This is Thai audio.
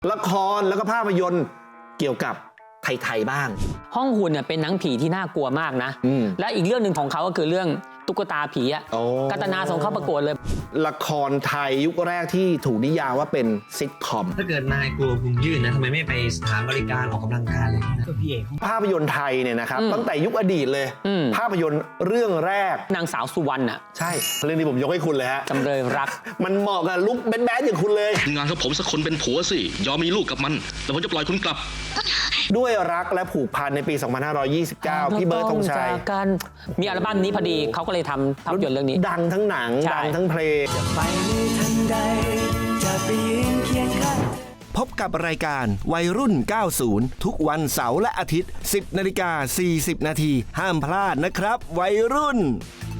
ละครแล้วก็ภาพยนตร์เกี่ยวกับไทยๆบ้างห้องหุ่นเนี่ยเป็นหนังผีที่น่ากลัวมากนะและอีกเรื่องหนึ่งของเขาก็คือเรื่องตุ๊กตาผีอะกัตนาส่งเข้าประกวดเลยละครไทยยุคแรกที่ถูกนิยามว่าเป็นซิทคอมถ้าเกิดนายกลัวพุงยื่นนะทำไมไม่ไปสถานบริการออกกำลังกายเลยนะก็พี่เอกภาพยนตร์ไทยเนี่ยนะครับตั้งแต่ยุคอดีตเลยภาพยนตร์เรื่องแรกนางสาวสุวรรณอะใช่เรื่องนี้ผมยกให้คุณเลยฮะจำเลยรักมันเหมาะกับลุคแบดๆอย่างคุณเลยงานกับผมสักคนเป็นผัวสิยอมมีลูกกับมันแล้วผมจะปล่อยคุณกลับด้วยรักและผูกพันในปี 2529 พี่เบิร์ดธงชัยมีอัลบั้มนี้พอดีเขาก็เลยทำภาพยนตร์เรื่องนี้ดังทั้งหนังดังทั้งเพลงจะไปในทันใดจะไปยืนเคียงข้างพบกับรายการวัยรุ่น 90 ทุกวันเสาร์และอาทิตย์ 10:40 น.ห้ามพลาดนะครับวัยรุ่น